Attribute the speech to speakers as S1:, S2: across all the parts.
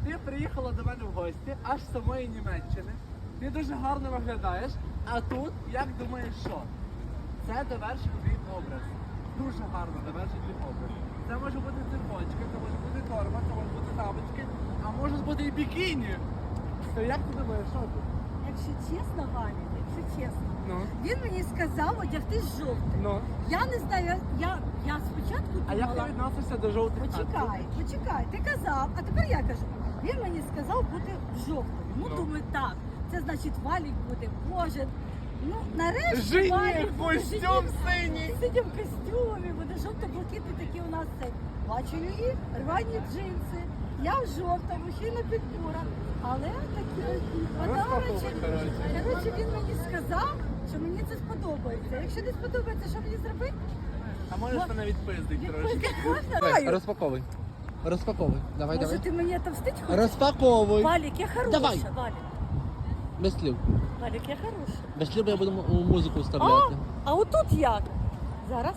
S1: ти приїхала до мене в гості, аж з самої Німеччини. Ти дуже гарно виглядаєш, а тут, як думаєш, що? Це довершить твій образ. Дуже гарно довершить твій образ. Це може бути цепочка, це може бути торба, це може бути тапочки, а може бути і бікіні. То як ти думаєш, що тут?
S2: Якщо чесно, Валя, якщо чесно,
S1: Ну.
S2: він мені сказав одягтись жовтим.
S1: Ну.
S2: Я не знаю, я спочатку
S1: А як ти
S2: думала,
S1: відносишся до жовтих
S2: почекай, ти казав, а тепер я кажу, він мені сказав бути в жовтому. Ну,
S1: Ну.
S2: думаю, так, це значить Валік буде кожен. Ну, нарешті
S1: Жені,
S2: Валік буде
S1: костюм синій.
S2: сидім в костюмі, буде жовто-блакитний такий у нас цей. Бачу її, рвані джинси, я в жовтому, ще й на підборах. Але такі подарочок. Коротше, він мені сказав, що мені це сподобається. Якщо не сподобається, що мені зробити?
S1: А можеш мене відпиздити трошки?
S2: Відпустити можна?
S3: Давай, розпаковуй. Розпаковуй. Давай,
S2: Може,
S3: давай.
S2: ти мені отомстить хочеш?
S3: Розпаковуй.
S2: Валік, я хороша,
S3: Давай.
S2: Валік.
S3: Без слів.
S2: Валік, я хороша.
S3: Без слів я буду музику вставляти.
S2: А отут як? Зараз.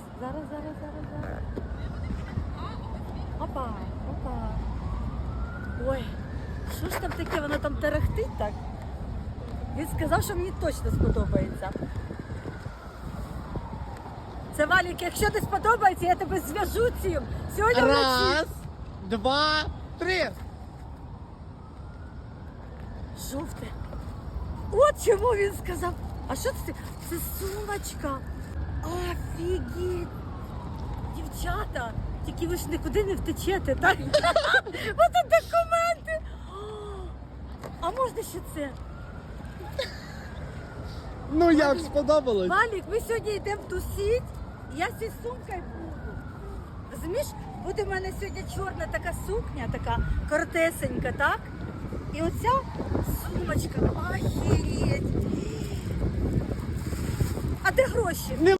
S2: Опа. Ой, що ж там таке, воно там терехтить так? Він сказав, що мені точно сподобається. Це, Валік, якщо не сподобається, я тебе зв'яжу цим. Сьогодні вночі.
S3: Раз, два, три.
S2: Жовте. От чому він сказав. А що це? Це сумочка. Офігеть. Дівчата, тільки ви ж нікуди не втечете, так? Ось тут документи. А можна ще це?
S3: Ну як, сподобалось?
S2: Валік, ми сьогодні йдемо тусіть, і я з цією сумкою буду. Розумієш, буде в мене сьогодні чорна така сукня, така коротесенька, так? І оця сумочка, охереть. А де гроші?